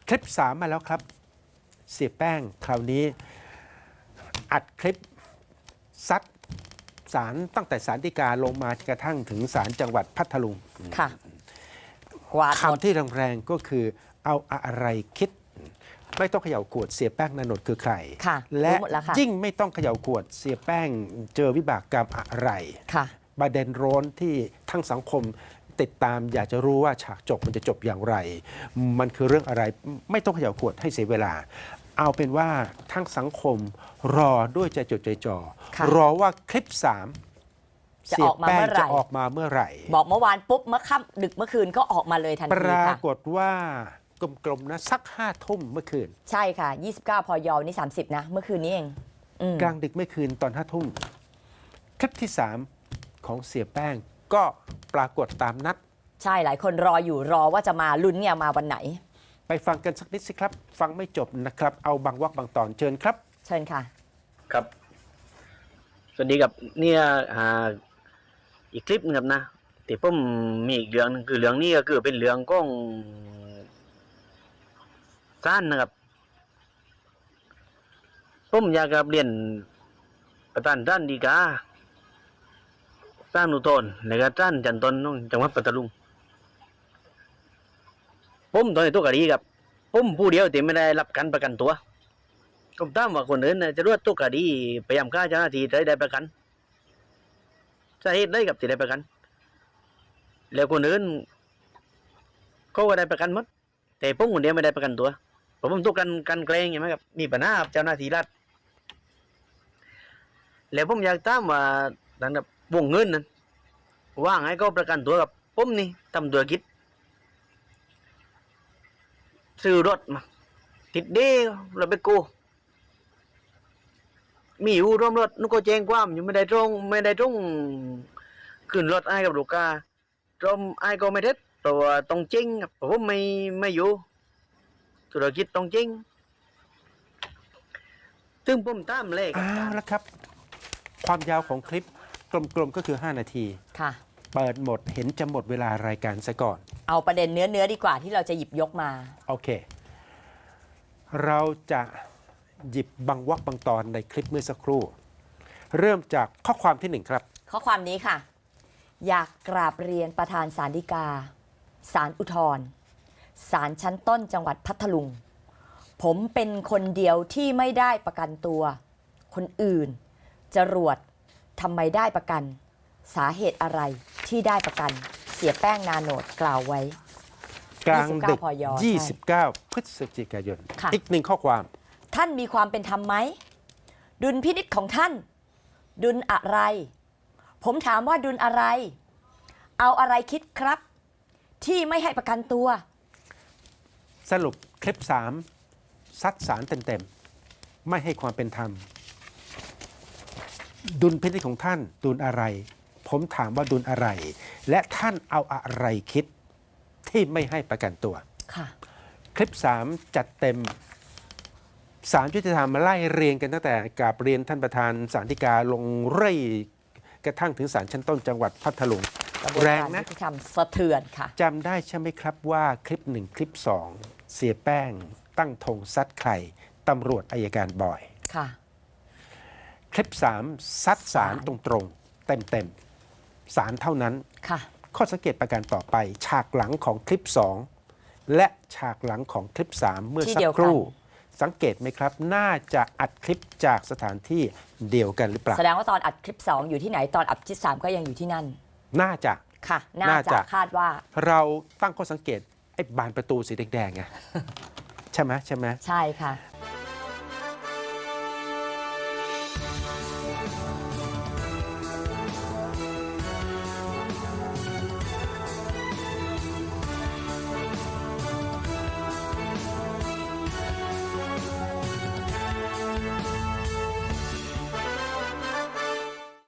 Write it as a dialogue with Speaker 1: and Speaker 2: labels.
Speaker 1: คลิป3มาแล้วครับเสียแป้งคราวนี้อัดคลิปซัดศาลตั้งแต่ศาลฎีกาลงมากระทั่งถึงศาลจังหวัดพัทลุง
Speaker 2: ค่ะวาดหมด
Speaker 1: คำที่แรงๆก็คือเอาอะไรคิด ไม่ต้องเขย่าขวดเสียแป้งนานท์คือใคร
Speaker 2: ค่ะ
Speaker 1: และ
Speaker 2: รู้หมดแล้วค่ะ
Speaker 1: ยิ่งไม่ต้องเขย่าขวดเสียแป้งเจอวิบากกรรมอะไร
Speaker 2: ค่ะ
Speaker 1: ประเด็นร้อนที่ทั้งสังคมติดตามอยากจะรู้ว่าฉากจบมันจะจบอย่างไร มันคือเรื่องอะไรไม่ต้องเขย่าขวดให้เสียเวลา เอาเป็นว่าทั้งสังคมรอด้วยใจจดใจจ่อ
Speaker 2: ค่ะ
Speaker 1: รอว่าคลิป3
Speaker 2: จะ
Speaker 1: เสี
Speaker 2: อย อกมา
Speaker 1: แป้ง
Speaker 2: เมื่อไหร่
Speaker 1: จะออกมาเมื่อไหร่
Speaker 2: บอกเมื่อวานปุ๊บเมื่อค่ำดึกเมื่อคืนก็ออกมาเลยทัน
Speaker 1: ป
Speaker 2: ที
Speaker 1: รา
Speaker 2: ค่ะ
Speaker 1: กฏว่ากลมๆนะสัก5 ทุ่มเมื่อคืน
Speaker 2: ใช่ค่ะ 29 พยนี่ 30 นะ เมื่อคืนนี้เองอืม
Speaker 1: กลางดึกเมื่อคืนตอน5 ทุ่มคลิปที่ 3 ของเสียแป้งก็ปรากฏตามนัด
Speaker 2: ใช่หลายคนรออยู่รอว่าจะมาลุ้นเนี่ยมาวันไหน
Speaker 1: ไปฟังกันสักนิดสิครับ ฟังไม่จบนะครับ เอาบางวรรคบางตอนเชิญครับ
Speaker 2: เชิญค่ะ
Speaker 3: ครับ สวัสดีครับเนี่ยอีกคลิปนึงครับนะแต่ผมมีอีกเรื่องนึงคือเรื่องนี้ก็คือเป็นเรื่องของศาลนะครับผมอยากจะเรียนประธานศาลฎีกาศาลอุทธรณ์ในการศาลชั้นต้นของจังหวัดปัตตานีผมตอนนี้ตัวคดีครับผมผู้เดียวแต่ไม่ได้รับการประกันตัวผมถามว่าคนอื่นน่ะจะรวดตัวคดีพยายามฆ่าเจ้าหน้าที่ได้ประกันสาเหตุได้กับที่ได้ประกัน แล้วคนอื่นเขาก็ได้ประกันหมดแต่ผมคนเดียวไม่ได้ประกันตัวเพราะผมถูกกันแกล้งใช่ไหมครับมีปัญหากับเจ้าหน้าที่รัฐแล้วผมอยากถามว่าดังแบบวงเงินนั้นว่างให้เขาประกันตัวกับผมนี่ทำธุรกิจซื้อรถมาติดเด้เราไปกู้มีอยู่ร่วมรถนุก็แจ้งความอยู่ไม่ได้ตรงขึ้นรถไอ้กับลูกค้าตรงไอ้ก็ไม่ได้เพราะว่าต้องจริงครับเพราะผมไม่อยู่ธุรกิจต้องจริงซึ่งผมตามเลข
Speaker 1: อ้าวแล้วครับ ความยาวของคลิปกลมๆก็คือ 5 นาที
Speaker 2: ค่ะ
Speaker 1: เปิดหมดเห็นจะหมดเวลารายการซะก่อน
Speaker 2: เอาประเด็นเนื้อดีกว่าที่เราจะหยิบยกมา
Speaker 1: โอเค เราจะหยิบบางวรรคบางตอนในคลิปเมื่อสักครู่ เริ่มจากข้อความที่ 1 ครับ
Speaker 2: ข้อความนี้ค่ะ อยากกราบเรียนประธานศาลฎีกาศาลอุทธรณ์ศาลชั้นต้นจังหวัดพัทลุง ผมเป็นคนเดียวที่ไม่ได้ประกันตัว คนอื่นจรวดทำไมได้ประกัน สาเหตุอะไรที่ได้ประกัน เสียแป้งนาโนดกล่าวไว้
Speaker 1: กลางดึก
Speaker 2: 29 พย
Speaker 1: 29 พฤศจิกายน
Speaker 2: ค่ะ
Speaker 1: อีกหนึ่งข้อความ
Speaker 2: ท่านมีความเป็นธรรมไหม ดุลพินิจของท่าน ดุลอะไร ผมถามว่าดุลอะไร เอาอะไรคิดครับ ที่ไม่ให้ประกันตัว
Speaker 1: สรุปคลิป 3 ซัดสารเต็มๆ ไม่ให้ความเป็นธรรม ดุลพินิจของท่านดุลอะไร ผมถามว่าดุลอะไร และท่านเอาอะไรคิดที่ไม่ให้ประกันตัว
Speaker 2: ค่ะ
Speaker 1: คลิป 3 จัดเต็มศาลยุติธรรมมาไล่เรียงกันตั้งแต่กราบเรียนท่านประธานศาลฎีกาลงเร่ยกระทั่งถึงศาลชั้นต้นจังหวัดพัทลุง
Speaker 2: กระบวน
Speaker 1: แรง
Speaker 2: การ
Speaker 1: นะ
Speaker 2: ยุติธรรมสะเทือนค่ะ
Speaker 1: จำได้ใช่ไหมครับว่าคลิป 1 คลิป 2 เสียแป้งตั้งธงซัดใครตำรวจอายการบอย
Speaker 2: ค่ะ
Speaker 1: คลิป 3 ซัดสารตรงๆ เต็มๆสารเท่านั้น
Speaker 2: ค่ะ
Speaker 1: ข้อสังเกตประการต่อไป ฉากหลังของคลิป 2 และฉากหลังของคลิป 3 เมื่อ
Speaker 2: ที่
Speaker 1: สั
Speaker 2: เดี
Speaker 1: ก
Speaker 2: ยวกัน
Speaker 1: ครู่ สังเกตไหมครับ น่าจะอัดคลิปจากสถานที่เดียวกันหรือเปล่า
Speaker 2: แสดงว่าตอนอัดคลิป 2 อยู่ที่ไหน ตอนอัดคลิป 3 ก็ยังอยู่ที่นั่น
Speaker 1: น่าจะ
Speaker 2: ค่ะ น่า
Speaker 1: น่า
Speaker 2: จะ
Speaker 1: จะ
Speaker 2: คาดว่า
Speaker 1: เราตั้งข้อสังเกตไอ้บานประตูสีแดงๆไง ใช่ไหม
Speaker 2: ใช่ค่ะ